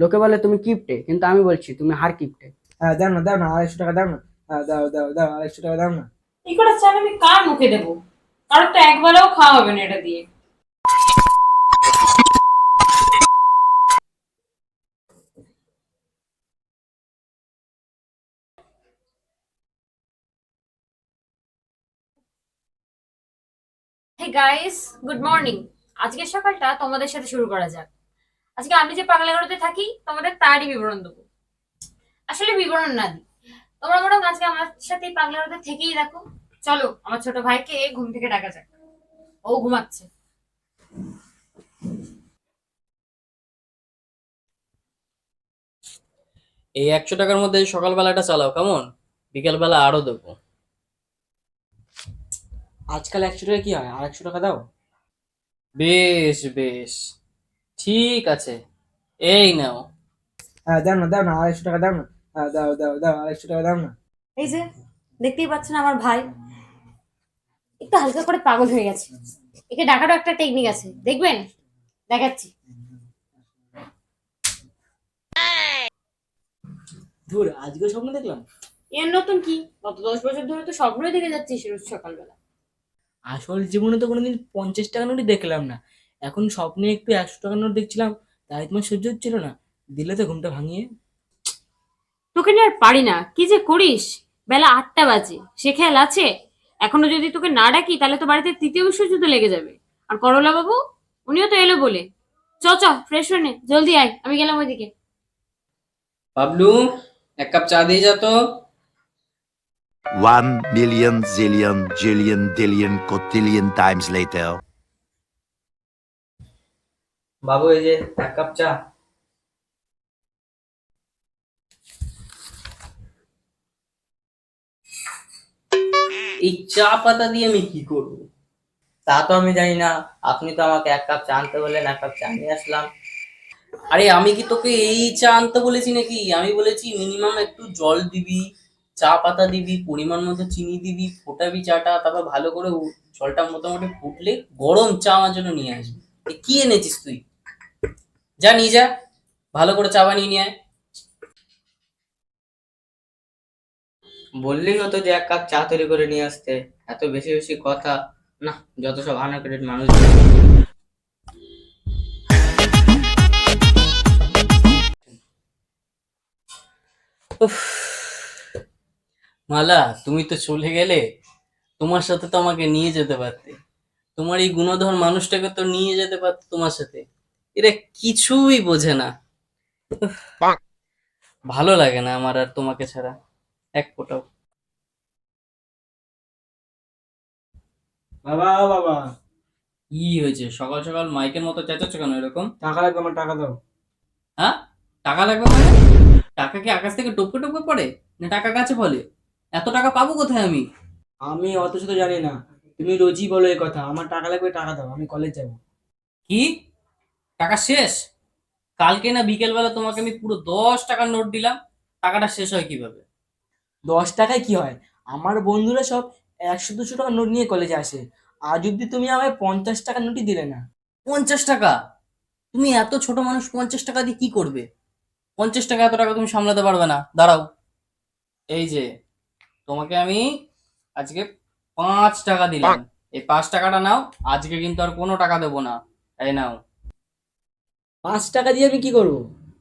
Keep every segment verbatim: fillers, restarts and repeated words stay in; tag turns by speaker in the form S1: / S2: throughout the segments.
S1: লোকে বলে তুমি কিপটে, কিন্তু আমি বলছি তুমি হার কিপটে।
S2: হ্যাঁ দাও না, দাও না, আড়াইশো টাকা দাও না। হ্যাঁ দাও দাও দাও, আড়াইশো টাকা দাও না।
S3: এই কটা চাল আমি কার মুখে দেবো? কারোর তো একবেলাও খাওয়া হবে না এটা দিয়ে। Hey guys, good morning. আজকের সকালটা তোমাদের সাথে শুরু করা যাক। আজকে আমি যে পাগলাগারোতে থাকি তোমাদের তারই বিবরণ দেবো। আসলে বিবরণ না দিই, তোমরা বরং আজকে আমার সাথে পাগলাগারোতে থেকেই দেখো। চলো আমার ছোট ভাইকে ঘুম থেকে ডাকা যাক, ও ঘুমাচ্ছে।
S4: এই একশো টাকার মধ্যে সকালবেলাটা চালাও, কেমন? বিকেলবেলা আরো দেবো।
S2: আজকাল একশো টাকা কি হয়, আর একশো টাকা দাও।
S4: বেশ বেশ, ঠিক আছে, এই নাও।
S2: হ্যাঁ দাও না, দাও না, আড়াইশো টাকা দাও না। হ্যাঁ দাও দাও দাও, আড়াইশো টাকা দাও না।
S3: এই যে দেখতেই পাচ্ছেন আমার ভাই একটু হালকা করে পাগল হয়ে গেছে। একে ডাকারও একটা টেকনিক আছে, দেখবেন, দেখাচ্ছি।
S2: ধুর, আজকে স্বপ্ন দেখলাম।
S3: এর নতুন কি? গত দশ বছর ধরে তো স্বপ্নই দেখে যাচ্ছিস রোজ সকালবেলা।
S2: আসল জীবনে তো কোনোদিন পঞ্চাশ টাকা নোটই দেখলাম না, এখন স্বপ্নে একটু একশো টাকা নোট দেখছিলাম, তাই তোমার সহ্য হচ্ছিল না, দিলে তো ঘুমটা ভাঙিয়ে।
S3: তোকে নিয়ে আর পারি না, কি যে করিস। বেলা আটটা বাজে, সে খেয়াল আছে? এখনো যদি তোকে না ডাকি তাহলে তো বাড়িতে তৃতীয় বিশ্বযুদ্ধ লেগে যাবে। আর করলা বাবু, উনিও তো এলো বলে। চ চ, ফ্রেশ হয়ে নে, জলদি আয়, আমি গেলাম ওইদিকে।
S4: বাবলু, এক কাপ চা দিয়ে যা তো।
S5: One million zillion jillion dillion cotillion times later.
S4: বাবু, এই যে এক কাপ চা। এই চা পাতা দিয়ে আমি কি করব? তা তো আমি জানি না। আপনি তো আমাকে এক কাপ চা আনতে বললেন, এক কাপ চা নিয়ে আসলাম। আরে আমি কি তোকে এই চা আনতে বলেছি নাকি? আমি বলেছি মিনিমাম একটু জল দিবি, চা পাতা দিবি, পরিমাণ মতো চিনি দিবি, ফোটাবি চাটা, তারপর ভালো করে উ- জলটা মোটামুটি ফুটলে গরম চা আমার জন্য নিয়ে আসবি। এ কি এনেছিস তুই? যা নিয়ে যা, ভালো করে চা বানিয়ে নিয়ে আয়। বললি হতো যে এক কাপ চা তৈরি করে নিয়ে আসতে, এত বেশি বেশি কথা। না, যত সব আনএডুকেটেড মানুষ। উফ, মালা, তুমি তো চলে গেলে। তোমার সাথে তো আমাকে নিয়ে যেতে পারতে। তোমার এই গুণধর মানুষটাকে তো নিয়ে যেতে পারতো তোমার সাথে। এরা কিছুই বোঝে না। উফ, ভালো লাগে না আমার আর তোমাকে ছাড়া এক ফোঁটাও।
S2: বাবা ও বাবা,
S4: কি হয়েছে? সকাল সকাল মাইকের মতো চেঁচাচ্ছ কেন এরকম?
S2: টাকা লাগবে, আমার টাকা দাও।
S4: হ্যাঁ, টাকা লাগবে মানে? টাকা কি আকাশ থেকে টপকে টপকে পড়ে, না টাকা গাছে ফলে? এত টাকা পাবো কোথায় আমি?
S2: আমি অত শত জানি না, তুমি রোজই বলো এই কথা, আমার টাকা লাগবে, টাকা দাও, আমি কলেজ যাবো।
S4: কি, টাকা শেষ? কালকে না বিকেল বেলা তোমাকে আমি পুরো দশ টাকার নোট দিলাম, টাকাটা শেষ হয় কিভাবে?
S2: দশ টাকায় কি হয়, আমার বন্ধুরা সব একশো দুশো টাকা নোট নিয়ে কলেজে আসে, আজ অব্দি তুমি আমায় পঞ্চাশ টাকার নোটই দিলে না।
S4: পঞ্চাশ টাকা? তুমি এত ছোট মানুষ, পঞ্চাশ টাকা দিয়ে কি করবে? পঞ্চাশ টাকা এত টাকা তুমি সামলাতে পারবে না, দাঁড়াও। এই যে, তোমাকে আমি আজকে পাঁচ টাকা দিলাম, এই পাঁচ টাকাটা নাও। আজকে কিন্তু আর কোনো টাকা দেবো না, এই নাও।
S2: পাঁচ টাকা দিয়ে আমি কি করবো?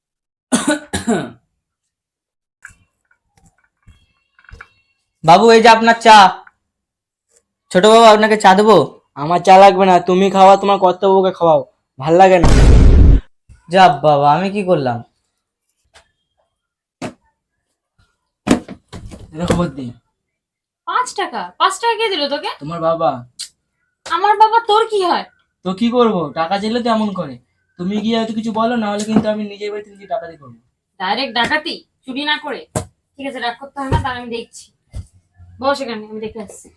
S4: বাবু, এই যে আপনার চা। ছোট বাবু, আপনাকে চা দেবো?
S2: আমার চা লাগবে না, তুমি খাওয়া, তোমার কর্তব্যকে খাওয়াও, ভাল লাগে না।
S4: যা বাবা, আমি কি করলাম?
S2: এটা খবর দিই।
S3: পাঁচ টাকা? পাঁচ টাকা কে দিল তোকে?
S2: তোমার বাবা।
S3: আমার বাবা, তোর কি হয়?
S2: তো কি করবো, টাকা চাইলে তো এমন করে। তুমি গিয়ে হয়তো কিছু বলো, না হলে কিন্তু আমি নিজের বাড়িতে নিজে টাকা দিয়ে করবো।
S3: ডাইরেক্ট ডাকাতি, চুরি না করে। ঠিক আছে, রাগ করতে হবে না, তার আমি দেখছি। বস এখানে, আমি দেখে আসছি।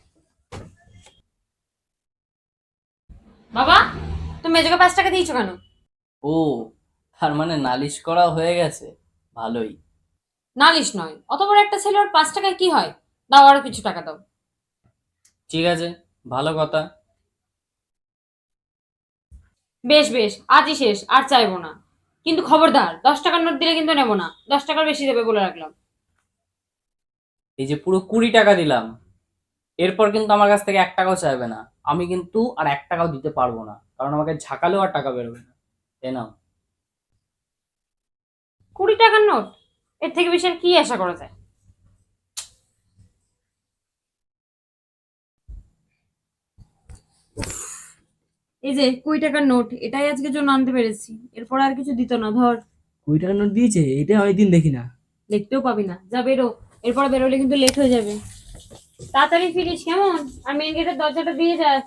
S3: বাবা, তুমি মেজোকে পাঁচ টাকা দিয়েছো কেন?
S4: ও, তার মানে নালিশ করা হয়ে গেছে, ভালোই।
S3: নালিশ নয়, অত বড় একটা ছেলে, ওর পাঁচ টাকায় কি হয়? দাও, আরো কিছু টাকা দাও।
S4: ঠিক আছে, ভালো কথা।
S3: বেশ বেশ, আজই শেষ, আর চাইবো না। কিন্তু খবরদার দশ টাকার নোট দিলে কিন্তু নেবো না, দশ টাকার বেশি দেবে বলে রাখলাম।
S4: এই যে পুরো কুড়ি টাকা দিলাম, এরপর কিন্তু আমার কাছ থেকে এক টাকাও চাইবে না। আমি কিন্তু আর এক টাকাও দিতে পারবো না, কারণ আমাকে ঝাঁকালেও আর টাকা বেরোবে না। তাই নাও।
S3: কুড়ি টাকার নোট, এর থেকে বেশি আর কি আশা করা যায়? এই যে কুড়ি টাকার নোট, এটাই আজকের জন্য আনতে পেরেছি, এরপর আর কিছু দিত না। ধর,
S2: কুড়ি টাকার নোট দিয়েছে, এটা অনেকদিন দেখি না।
S3: দেখতেও পাবি না, যা বেরো, এরপর বেরোলে কিন্তু লেট হয়ে যাবে। তাড়াতাড়ি ফিরিস কেমন, আর মেন গেটের দরজাটা দিয়ে যাস।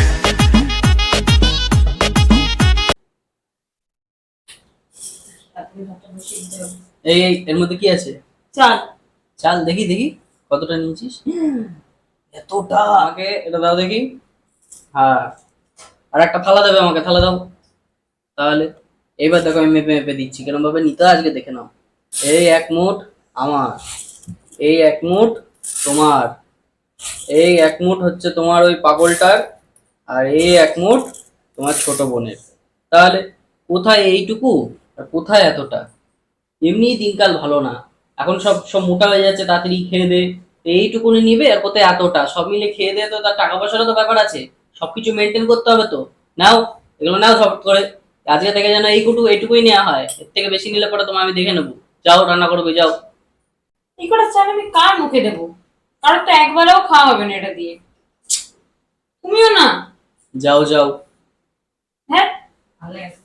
S4: এই এই, এর মধ্যে কি আছে?
S3: চল।
S4: চাল দেখি দেখি কতটা নিয়েছিস। এতটা? আমাকে এটা দাও দেখি। হ্যাঁ, আর একটা থালা দেবে আমাকে, থালা দাও। তাহলে এইবার দেখো আমি মেপে মেপে দিচ্ছি কেরম ভাবে নিতে হয়, আজকে দেখে নাও। এই এক মুঠ আমার, এই এক মুঠ তোমার, এই এক মুঠ হচ্ছে তোমার ওই পাগলটার, আর এই এক মুঠ তোমার ছোট বোনের। তাহলে কোথায় এইটুকু আর কোথায় এতটা? এমনি দিনকাল ভালো না, এখন সব সব মোটা হয়ে যাচ্ছে, তাড়াতাড়ি খেয়ে দে। এইটুকুনি নিবে আর কোথায় এতটা? সব মিলে খেয়ে দে, তো তার টাকা পয়সারও তো ব্যাপার আছে, সবকিছু মেনটেন করতে হবে তো। নাও এগুলো নাও সব করে, আজকে থেকে যেন এইটুকু এইটুকুই নেওয়া হয়, এর থেকে বেশি নিলে পরে তোমার আমি দেখে নেবো। যাও রান্না করবে, যাও।
S3: এই কটা চাল আমি কার মুখে দেবো? কারোর তো একবারও খাওয়া হবে না এটা দিয়ে। তুমিও না।
S4: যাও যাও।
S3: হ্যাঁ, ভালো আছে।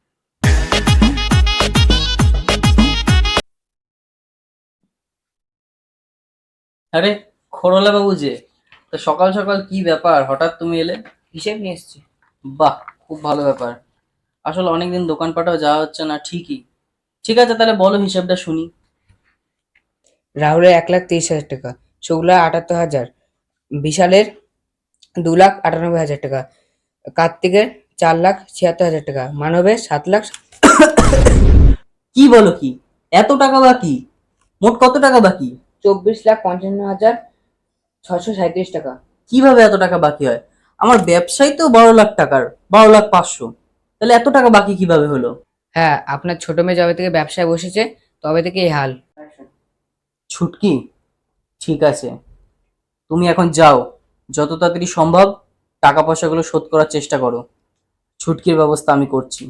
S4: আরে খরলা বাবু যে, তো সকাল সকাল কি ব্যাপার, হঠাৎ তুমি এলে?
S1: হিসেব নিয়ে এসছি।
S4: বাহ, খুব ভালো ব্যাপার। আসলে অনেকদিন দোকানপাটেও যাওয়া হচ্ছে না। ঠিকই, ঠিক আছে, তাহলে বলো হিসাবটা শুনি।
S1: রাহুলের এক লাখ তেইশ হাজার টাকা, শুক্লা আটাত্তর হাজার, বিশালের দু লাখ আটানব্বই হাজার টাকা, কার্তিকের চার লাখ ছিয়াত্তর হাজার টাকা, মানবের সাত লাখ।
S4: কি বলো কি, এত টাকা বাকি? মোট কত টাকা বাকি?
S1: চব্বিশ লাখ পঞ্চান্ন হাজার ছশো সাঁত্রিশ টাকা।
S4: কিভাবে এত টাকা বাকি হয়? আমার ব্যবসায় তো বারো লাখ টাকার, বারো লাখ পাঁচশো, তাহলে এত টাকা বাকি কিভাবে হলো?
S1: হ্যাঁ, আপনার ছোট মেয়ে যবে থেকে ব্যবসায় বসেছে তবে থেকে এই হাল।
S4: ছুটকি, ঠিক আছে, তুমি এখন যাও, যত তাড়াতাড়ি সম্ভব টাকা পয়সাগুলো শোধ করার চেষ্টা করো। ছুটকির ব্যবস্থা আমি করছি।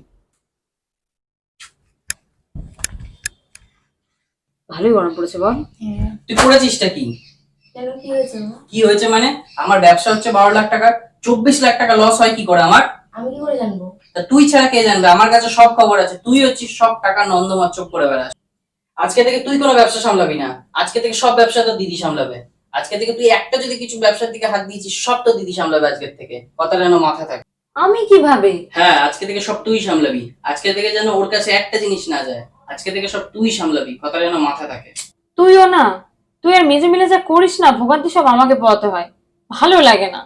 S3: ভালোই গরম পড়েছে বল।
S4: তুই করেছিসটা কি?
S3: কেন, কি হয়েছে?
S4: কি হয়েছে মানে? আমার ব্যবসা হচ্ছে বারো লাখ টাকা, চব্বিশ লাখ টাকা লস হয় কি করে আমার?
S3: আমি কি করে জানবো?
S4: তা তুই ছাড়া কে জানবে? আমার কাছে সব খবর আছে। তুই হচ্ছিস সব টাকা নন্দমাচ্ছক করে বেড়াস। আজকে থেকে তুই কোনো ব্যবসা সামলাবি না, আজকে থেকে সব ব্যবসা তো দিদি সামলাবে। আজকে থেকে তুই একটা যদি কিছু ব্যবসার দিকে হাত দিয়েছিস, সব তো দিদি সামলাবে আজকের থেকে, কথা যেন মাথা থাকে।
S3: আমি কিভাবে?
S4: হ্যাঁ, আজকে থেকে সব তুই সামলাবি। আজকে থেকে যেন ওর কাছে একটা জিনিস না যায়, আজকে থেকে সব তুই সামলাবি, কথা যেন মাথা থাকে।
S3: তুইও না, তুই আর মেজে মিলে যা করিস না, ভোগান্তি সব আমাকে পোয়াতে হয়, ভালো লাগে না।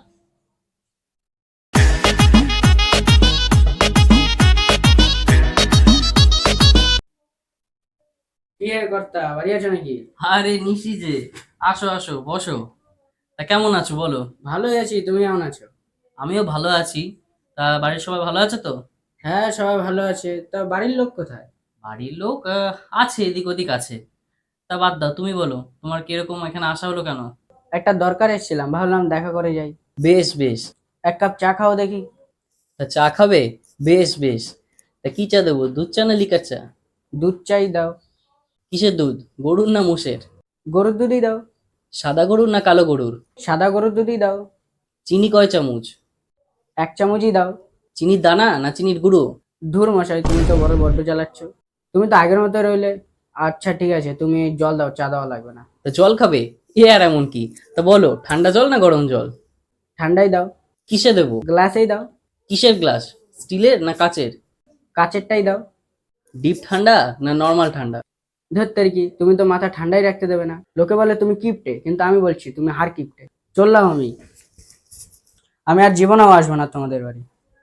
S1: কি হে কর্তা, বাড়ি আছো নাকি?
S4: আরে নিশি যে, আসো আসো বসো। তা কেমন আছো বলো?
S1: ভালোই আছি, তুমি কেমন আছো?
S4: আমিও ভালো আছি। তা বাড়ির সবাই ভালো আছে তো?
S1: হ্যাঁ, সবাই ভালো আছে। তা বাড়ির লোক কোথায়?
S4: বাড়ির লোক আহ, আছে, এদিক ওদিক আছে। তা বাদ দাও, তুমি বলো তোমার কিরকম এখানে আসা হলো কেন?
S1: একটা দরকার এসেছিলাম, ভাবলাম দেখা করে যাই।
S4: বেশ বেশ।
S1: এক কাপ চা খাও দেখি।
S4: তা চা খাবে? বেশ বেশ। তা কি চা দেবো, দুধ চা না লিকার চা?
S1: দুধ চাই দাও।
S4: কিসের দুধ, গরুর না মোষের?
S1: গরুর দুধই দাও।
S4: সাদা গরুর না কালো গরুর?
S1: সাদা গরুর দুধই দাও।
S4: চিনি কয় চামচ?
S1: এক চামচই দাও।
S4: চিনির দানা না চিনির গুঁড়ো?
S1: ধুর মশাই, তুমি তো বড় বড্ড চালাচ্ছ। তুমি তো আগের মতো রইলে। আচ্ছা ঠিক আছে, তুমি জল দাও, চা দেওয়া লাগবে না।
S4: তা জল খাবে? এ আর এমন কি? তা বলো ঠান্ডা জল না গরম জল?
S1: ঠান্ডাই দাও।
S4: কিসে দেবো?
S1: গ্লাসেই দাও।
S4: কিসের গ্লাস, স্টিলের না কাচের?
S1: কাচেরটাই দাও।
S4: ডিপ ঠান্ডা না নর্মাল ঠান্ডা?
S1: ধরতে কি, তুমি তো মাথা ঠান্ডাই রাখতে দেবে না। লোকে বলে তুমি কিপটে, কিন্তু আমি বলছি তুমি হার কিপটে। চললাম আমি। আমি আর জীবনেও আসবো না তোমাদের বাড়ি।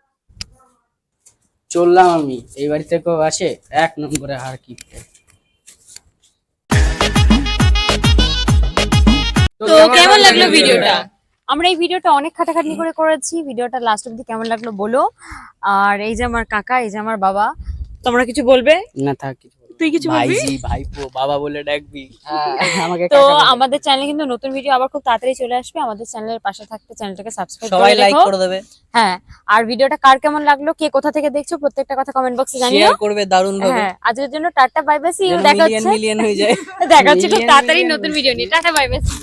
S1: চললাম আমি। এই বাড়ি থেকেও আসে এক নম্বরে হার কিপটে।
S3: তো কেমন লাগলো ভিডিওটা? আমরা এই ভিডিওটা অনেক খাটাখাটনি করে করেছি। ভিডিওটা লাস্ট অবধি কেমন লাগলো বলো। আর এই যে আমার কাকা, এই যে আমার বাবা, তোমরা কিছু বলবে?
S2: না থাক কিছু বলবো না।
S3: তুই কিছু বলবি?
S2: ভাইজি ভাইপো বাবা বলে ডাকবি আমাকে
S3: তো
S2: কাকা বলে।
S3: আমাদের চ্যানেলে কিন্তু নতুন ভিডিও আবার খুব তাড়াতাড়ি চলে আসবে, আমাদের চ্যানেলের পাশে থাকতে চ্যানেলটাকে সাবস্ক্রাইব
S4: সবাই
S3: করে
S4: লাইক
S3: রেখো।
S4: করে দেবে,
S3: হ্যাঁ, আর ভিডিওটা কার কেমন লাগলো, কে কোথা থেকে দেখছো, প্রত্যেকটা কথা কমেন্ট বক্সে জানিও।
S4: শেয়ার করবে দারুণ ভাবে,
S3: হ্যাঁ, আজকের জন্য tata bye bye, see you, দেখা
S4: মিলিয়ন
S3: হচ্ছে
S4: মিলিয়ন হয়ে যায়।
S3: দেখা হচ্ছে খুব
S2: Million
S3: তাড়াতাড়ি
S2: million
S3: নতুন ভিডিও নিয়ে। Tata bye by.